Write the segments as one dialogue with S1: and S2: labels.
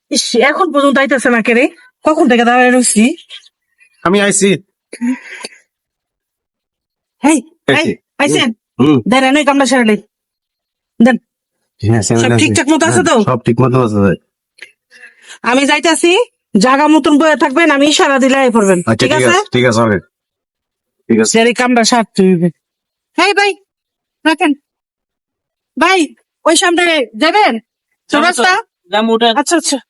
S1: ইস, এখন পর্যন্ত আইতেছে না কে রে? কখন থেকে দাঁড়ায় রয়েছি?
S2: আমি আইছি।
S1: হেই,
S2: এই যে,
S1: আইসেন?
S2: হুম।
S1: দেন এনে কামটা সেরে নেই। দেন,
S2: হ্যাঁ,
S1: সব ঠিকঠাক মতো আছে তো?
S2: সব ঠিক মতো আছে ভাই।
S1: আমি যাইতাছি, জাগা মতন বয়ে থাকবেন, আমি ইশারা দিলে আই পড়বেন,
S2: আচ্ছা
S1: ঠিক আছে?
S2: ঠিক আছে ওকে। ঠিক আছে।
S1: সেরে কামটা সারতে হইবে। হেই ভাই, রাখেন। ভাই, ওই সামনে যাবেন? চৌরাস্তা? আচ্ছা আচ্ছা।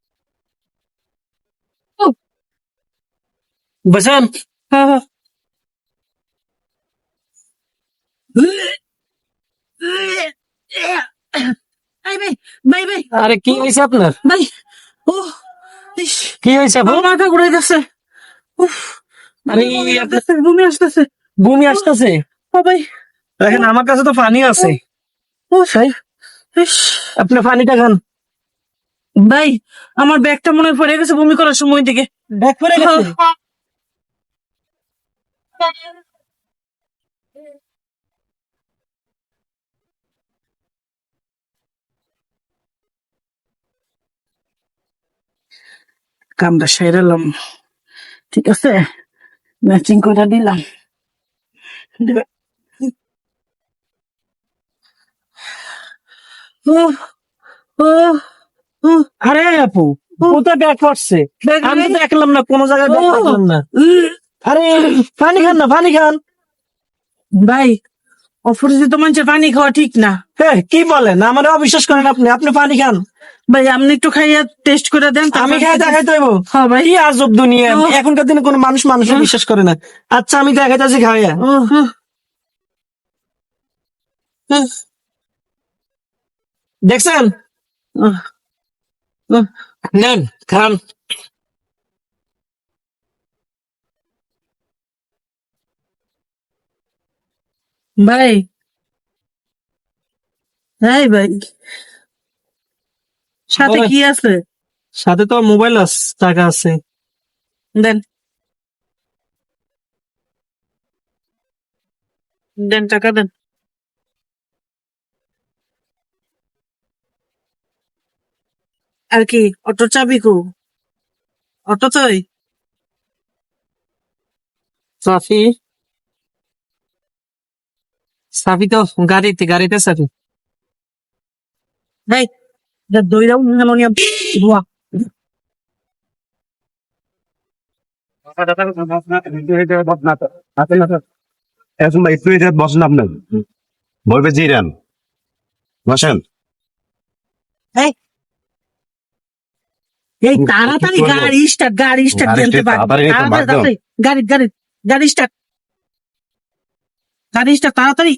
S1: ও,
S3: বসেন।
S1: হ্যাঁ হ্যাঁ। এই ভাই, ভাই ভাই,
S3: আরে কি হয়েছে আপনার?
S1: ভাই, ও, ইস,
S3: কি হয়েছে আপু?
S1: আমার মাথা ঘুরে যাচ্ছে। উফ,
S3: আরে
S1: বমি
S3: আপনার
S1: আসতেছে, বমি আসতেছে।
S3: বমি আসতেছে?
S1: ও ভাই,
S3: দেখেন আমার কাছে তো পানি আছে।
S1: ও ভাই, ইস,
S3: আপনি পানিটা খান।
S1: ভাই, আমার ব্যাগটা মনে হয় পড়ে গেছে বমি করার সময় থেকে।
S3: ব্যাগ পরে গেছে?
S1: কামটা সেরেলাম, ঠিক আছে, ম্যাচিং করে দিলাম। ও ও ও,
S3: আরে আপু, কোথায় ব্যাগ পড়ছে?
S1: ব্যাগ
S3: আমি তো
S1: নেই।
S3: দেখলাম না, কোনো জায়গায় ব্যাগ
S1: ও,
S3: দেখলাম না। আরে পানি খান না, পানি খান।
S1: ভাই, অপরিচিত মানুষের পানি খাওয়া ঠিক না।
S3: হ্যাঁ, কি বলেন? আমার অবিশ্বাস করেন আপনি, আপনি পানি খান।
S1: ভাই, আপনি একটু খাইয়া টেস্ট করে দেন।
S3: আমি খাই দেখাইতে হইব?
S1: হ্যাঁ ভাই।
S3: কি আজব দুনিয়া!
S1: ও।
S3: এখনকার দিনে কোনো মানুষ মানুষের বিশ্বাস করে না। আচ্ছা আমি দেখাইতেছি খাইয়া।
S1: ও, ও, ও,
S3: দেখছেন?
S1: ও, ও।
S3: নেন খান।
S1: ভাই, হ্যাঁ ভাই, সাথে কি আছে?
S3: সাথে তো মোবাইল আছে, টাকা আছে।
S1: দেন, দেন টাকা দেন। আর কি অটোর চাবি কো? অটো চাই।
S3: সাফি, সাফি তো গাড়িতে সাফি।
S1: ভাই, দইরাও নিয়ে ধোয়া।
S2: এখন ভাই একটু এটা বসেন আপনার। বলবে জিরান। বসেন।
S1: এই, এই তাড়াতাড়ি গাড়ি স্টার্ট, গাড়ি স্টার্ট
S2: গাড়ি
S1: দিতে পারি।
S2: তাড়াতাড়ি একটু মার দাও।
S1: তাড়াতাড়ি, গাড়ি গাড়ি গাড়ি স্টার্ট, গাড়ি স্টার্ট তাড়াতাড়ি।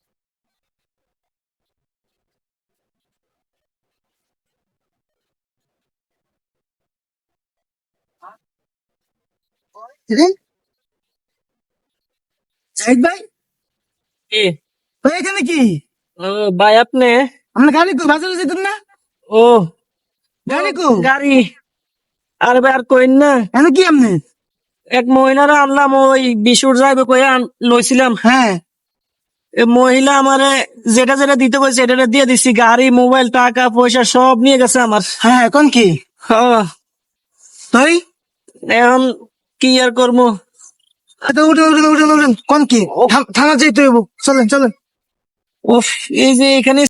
S1: জাহিদ ভাই,
S3: কি?
S1: ভাই এখানে কি?
S3: ও ভাই আপনি?
S1: আমরা গাড়ি কো বাজারে যেতেন না?
S3: ও
S1: গাড়ি কো?
S3: গাড়ি। আর ভাই আর কইন না,
S1: এখানে কি আপনি?
S3: এক মহিলারা আনলাম, ওই বিশুর যাইবে কইয়া লইছিলাম।
S1: হ্যাঁ,
S3: এ মহিলা আমারে যেটা যেটা দিতে কইছে এটা দিয়ে দিছি। গাড়ি, মোবাইল, টাকা পয়সা সব নিয়ে গেছে আমার।
S1: হ্যাঁ, এখন কি?
S3: হ্যাঁ,
S1: তুই?
S3: এখন কি আর করবো?
S1: আচ্ছা, উঠেন উঠেন উঠেন উঠেন, কোন কি? থানা যেতে হইব, চলেন চলেন।
S3: উফ, এই যে এখানে